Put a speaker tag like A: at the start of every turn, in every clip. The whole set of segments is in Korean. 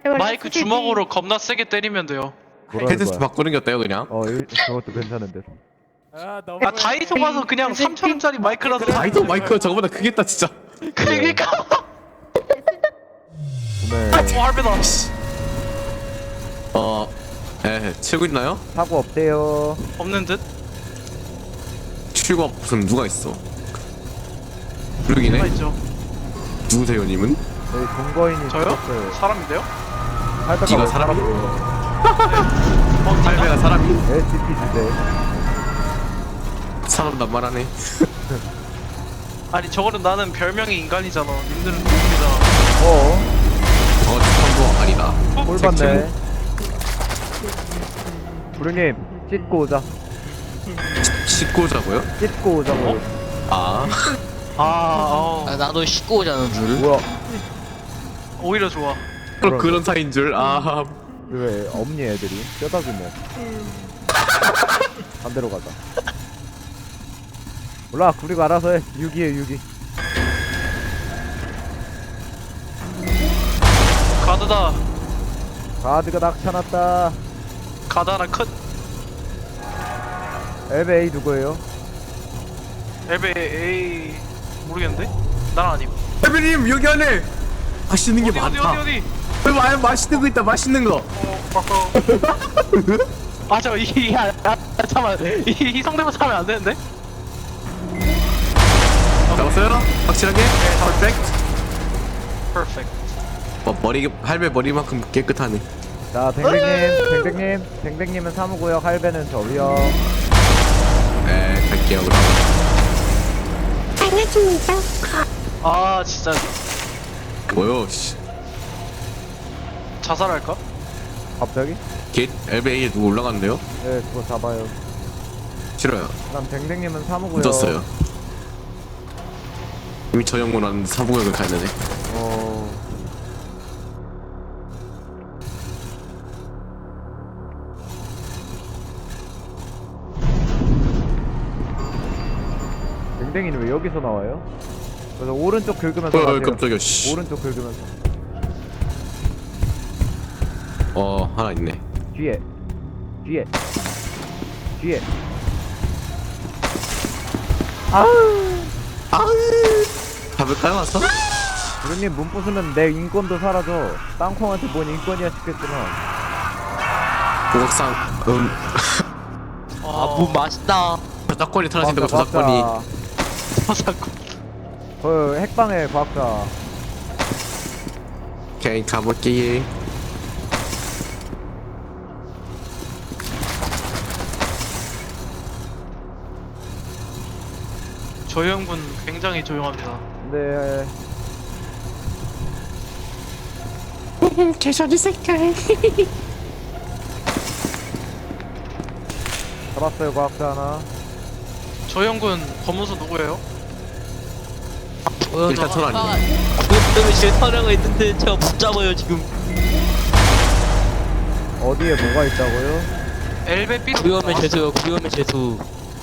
A: 마이크 주먹으로 겁나 세게 때리면 돼요.
B: 헤드셋 바꾸는 게 어때요 그냥?
C: 그것도 괜찮은데.
A: 아 다이소 가서 그냥 3,000원짜리 마이크라도
B: 다이소 마이크가 저거보다 크겠다 진짜.
A: 그러니까.
C: 오늘
A: 할배다.
B: 치고 있나요?
C: 사고 없대요.
A: 없는 듯?
B: 치고 무슨 누가 있어? 블루기네?
A: 누가 있죠?
B: 누구세요 님은?
C: 저희 동거인이
A: 저요?
C: 죽었어요.
A: 사람인데요?
C: 할배가
B: 네가
C: 왜
B: 사람이에요?
A: 어,
B: 할배가 사람이?
C: SCP 주제.
B: 사람 낱말하네.
A: 아니 저거는 나는 별명이 인간이잖아. 님들은 동물이잖아.
B: 참고 아니다.
C: 꼴 봤네. 부르님 찢고 오자.
B: 씻고 오자고요?
C: 찢고 오자고.
D: 나도 씻고 오자는 줄.
C: 뭐야?
A: 오히려 좋아.
B: 그런 사이인 줄.
C: 왜 없니 애들이? 뼈다귀 뭐. 반대로 가자. 몰라 구리가 알아서 해. 6이에 6이.
A: 가드다.
C: 가드가 낙차났다.
A: 가드 하나 컷.
C: LBA 누구예요?
A: 엘베 A 모르겠는데? 난 아님.
B: 할배님 여기 안에 맛있는 게
A: 어디
B: 많다.
A: 어디?
B: 맛있는 거 있다. 맛있는 거.
A: 잠깐만 이 성대모사 하면 안 되는데?
B: 잡았어요? 확실하게? 퍼펙트.
A: 퍼펙트.
B: 머리 할배 머리만큼 깨끗하네.
C: 자 댕댕님은 사무고요. 할배는 저위요.
B: 네 갈게요 그럼.
A: 아 진짜
B: 뭐요? 씨.
A: 자살할까?
C: 갑자기?
B: 겟 LBA에 누구 올라갔는데요?
C: 네 그거 잡아요.
B: 싫어요.
C: 그럼 댕댕님은 사무고요.
B: 늦었어요. 이미 저 영문은 사부역을 가야 되네.
C: 댕댕이는 왜 여기서 나와요? 그래서 오른쪽 긁으면서 가세요.
B: 깜짝이야. 씨.
C: 오른쪽 긁으면서.
B: 하나 있네.
C: 뒤에
B: 잡을까요 와서?
C: 부르님 문 부수면 내 인권도 사라져. 땅콩한테 뭔 인권이야 싶겠지만.
B: 고각상
D: 무 맛있다.
B: 저작권이 사라진다고 저작권이.
A: 자살권.
C: 그 핵방의 과학자.
B: 오케이 가볼게.
A: 저 형분 굉장히 조용합니다.
C: 근데
B: 개소리 색깔.
C: 잡았어요 과학자 하나.
A: 저 형분 검은소 누구예요?
B: 일단 전 아니에요.
D: 그때문에 제 촬영을 했는데 제가 못 잡아요 지금.
C: 어디에 뭐가 있다고요?
A: 엘베 B
D: 구요면 재수요. 구요면 재수.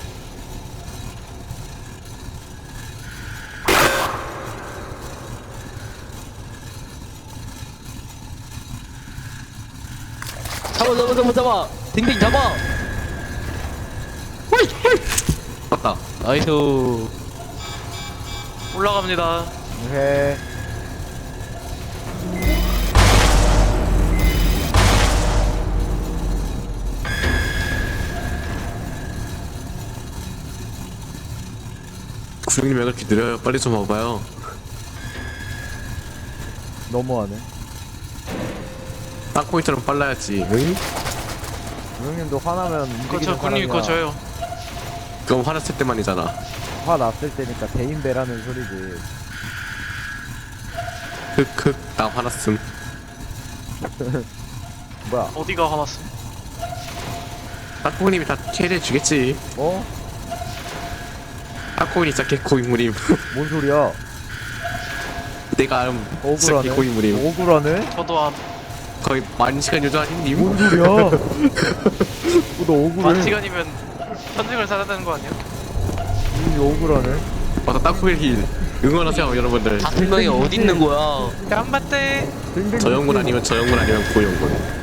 D: 잡아. 댕댕 잡아.
B: 맞다.
D: 나이스.
A: 올라갑니다.
C: 해.
B: 구형님 왜 그렇게 느려요? 빨리 좀 와봐요.
C: 너무하네.
B: 땅콩이처럼 빨라야지. 응?
C: 부형님도 화나면 움직이는
A: 그거 군님 그거
C: 사람이야.
A: 저요.
B: 그럼 화났을 때만이잖아.
C: 화 났을 때니까 대인배라는 소리지.
B: 흑흑 나 화났음.
C: 뭐야?
A: 어디가 화났어?
B: 땅콩님이 다 캐리해 주겠지.
C: 어?
B: 땅콩이 진짜 개코인물임.
C: 뭔 소리야?
B: 내가 진짜
C: 억울하네.
B: 개코인물임.
C: 억울하네?
A: 저도 한
B: 거의 만 시간 요조 아닌님?
C: 뭔 소리야? 너 억울해?
A: 만 시간이면 현직을 살아야 되는 거 아니야?
C: 이 억울하네.
B: 맞아 땅콩이 힐. 응원하세요 여러분들.
D: 5명이 어디 있는 거야?
A: 양반대.
B: 저 영군 아니면 고영군.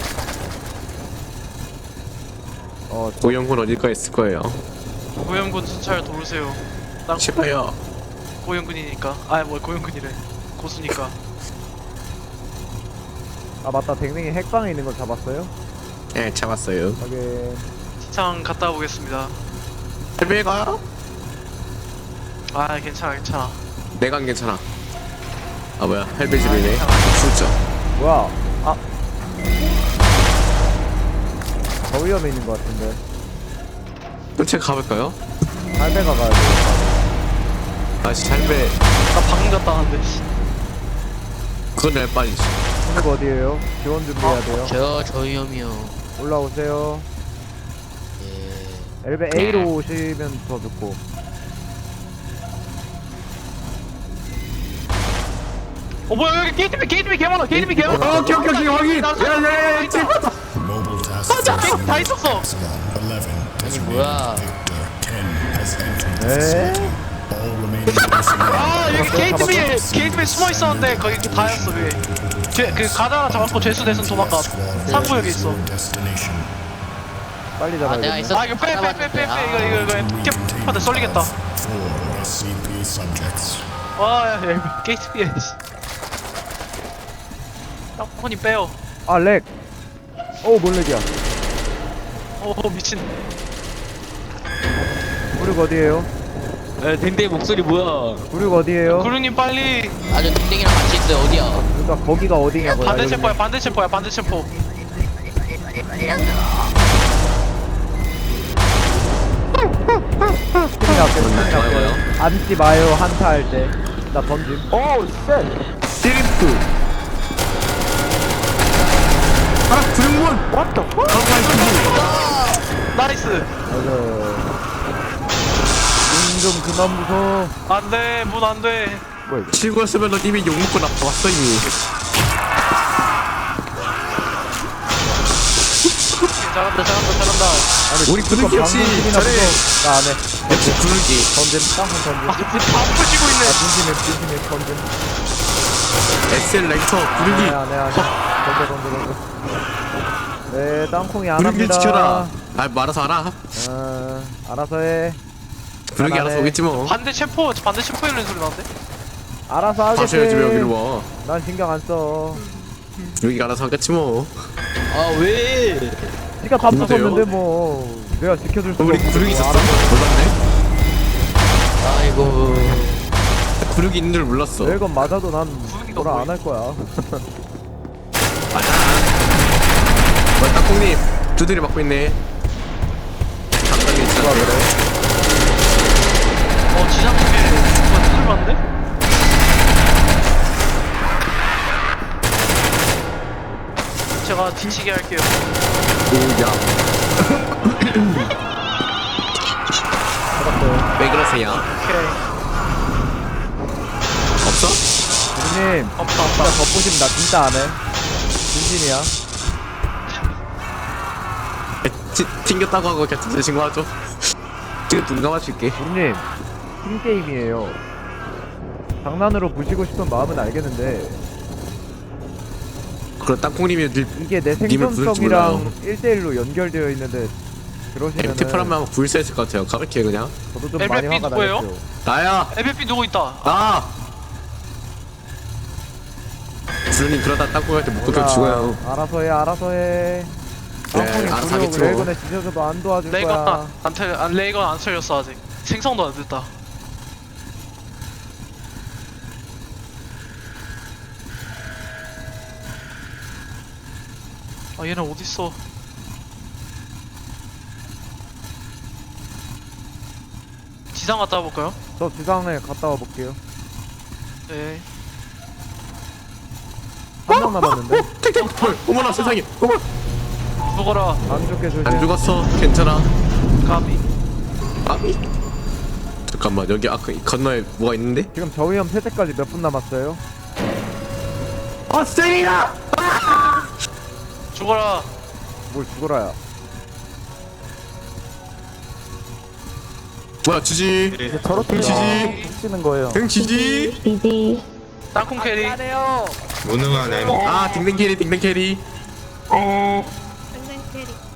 B: 고영군 어딜까 있을 거예요.
A: 고영군 순찰 도우세요. 난
B: 싫어요.
A: 고영군이니까. 아, 뭐 고영군이래. 고수니까.
C: 아 맞다, 댕댕이 핵방에 있는 거 잡았어요?
B: 예, 잡았어요.
C: 확인.
A: 시장 갔다 오겠습니다.
B: 할배 가요?
A: 아, 괜찮아.
B: 내가 괜찮아. 아 뭐야, 할배 집이네. 진짜.
C: 뭐야? 아, 저 위험에 있는 거 같은데.
B: 끈채 가볼까요?
C: 할배가 가야 돼.
B: 아씨, 할배.
A: 나 방금 갔다 왔는데. 씨.
B: 그건 내 빨리지.
C: 근육 어디에요? 지원 준비해야 돼요.
D: 저 위험이요.
C: 올라오세요.
D: 예.
C: 엘베 A로 오시면 더 좋고.
A: 뭐야, 여기 게이트비 개 많아. 게이트비 개 많아.
B: 오케이 확인. 야야야,
E: Mobile task force
A: 다 있었어.
E: Epsilon 11
D: 아니 뭐야?
E: Victor 10 has entered the
C: 에?
E: city. All remaining personnel
A: 아, 여기 게이트비 숨어 있었는데 거기 다였어. 그 가드 하나 잡았고 죄수 대신 도망가. 상구역에 있어.
E: destination.
C: 빨리
D: 아
C: 잡아야
D: 내가
C: 돼.
D: 있었.
A: 아, 이거 빼. 이거 캡한테 썰리겠다.
E: 4 SCP subjects.
A: 와, 야, 게이트비에. 땅콩이 빼요.
C: 아 렉. 뭔 렉이야?
A: 미친.
C: 구륙 어디에요?
D: 에 댕댕이 목소리 뭐야?
C: 구륙 어디에요?
A: 구루님 빨리.
D: 아저 댕댕이랑 같이 있어요. 어디야?
C: 그러니까 거기가 어디냐고요?
A: 반대 챔포야. 반대 챔포.
C: 스팀이 앞에 스팀이
B: 뭐요?
C: 앞에 앉지 마요 한타 할 때. 나 던짐.
B: 시리프. 아, 구영군.
A: 나이스.
C: 맞아. 좀 그만 무서워.
A: 안돼, 문 안돼.
C: 뭐야 이거?
B: 치고였으면 너 이미 욕 먹고 나왔어 이미.
A: 잘한다.
C: 아니,
B: 우리
C: 그거
B: 구르기 역시
C: 방송국이나
B: 잘해.
C: 무서워. 나안 해.
B: 역시 구르기.
C: 던짐. 땅콩 던짐.
A: 아, 다 부시고 있네.
C: 진심해 던짐.
B: SL 랭터 구르기.
C: 안 해. 던져. 네, 땅콩이 안
B: 구르기
C: 합니다.
B: 지켜라. 아, 뭐 알아서 알아.
C: 알아서 해.
B: 구르기
C: 안
B: 알아서
C: 해.
B: 오겠지 뭐.
A: 반대 챔포 이런 소리 나는데?
C: 알아서 하겠지.
B: 다시 해야지 왜 여기를 와.
C: 난 신경 안 써.
B: 구르기가 알아서 하겠지 뭐.
D: 아 왜?
C: 니가 다
B: 누구세요?
C: 부쉈는데 뭐 내가 지켜줄 수가
B: 우리
C: 없고.
B: 구르기 있었어?
C: 알아서
B: 몰랐네.
D: 아이고.
B: 구르기 있는 줄 몰랐어.
C: 내 건 맞아도 난
A: 구르기가
C: 뭐라
A: 뭐야?
C: 안 할 거야.
B: 맞아. 땅콩님 두드리 맞고 있네. 감당이 진짜 그래.
A: 지상 쪽에 누가 두들 봤는데? 제가 뒤치게 할게요.
B: 오야.
C: 알았어요.
B: 왜 그러세요?
A: 오케이.
B: 없어?
C: 누님
A: 없다.
C: 진짜 겉보심 나 진짜 안 해. 진심이야.
B: 튕겼다고 하고 곁에서 신고하죠. 지금 눈 감아줄게.
C: 누님 팀게임이에요. 장난으로 부시고 싶은 마음은 알겠는데
B: 그럼 땅콩님이 늘
C: 이게 내
B: 님을 부를 줄
C: 생존성이랑 1대1로 연결되어 있는데 그러시면은
B: MT4라면 한번 불사했을 것 같아요. 가볍게 그냥.
C: 저도 좀 많이
A: LBP
C: 화가
A: 누구예요?
C: 나겠죠.
B: 나야.
A: LBP 누구 있다?
B: 나. 주님 그러다 땅콩한테 묶어서 죽어요.
C: 알아서 해. 땅콩이
B: 알아서
C: 구력
B: 하겠죠.
C: 레이건에 지져서도 안 도와줄 거야.
A: 레이건 안 털렸어 아직. 생성도 안 됐다. 아, 얘는 어딨어? 지상 갔다 와볼까요?
C: 저 지상에 갔다 와 볼게요.
A: 네.
C: 한 명 남았는데
B: 헐, 어머나 세상에. 어머.
A: 죽어라,
C: 안 죽게 조심.
B: 안 죽었어. 괜찮아.
A: 까비.
B: 아미. 잠깐만 여기 아까 이 건너에 뭐가 있는데?
C: 지금 저위험 폐쇄까지 몇 분 남았어요?
B: 세리나.
A: 죽어라.
C: 뭘 죽어라야.
B: 뭐야 지지
C: 저렇게
B: 지지.
C: 치는 거예요.
B: 등 지지.
F: 비디.
A: 땅콩 캐리.
G: 무능한 M.
B: 아 딩댕 캐리 딩댕 캐리.
F: 에.
H: 땡땡 캐리.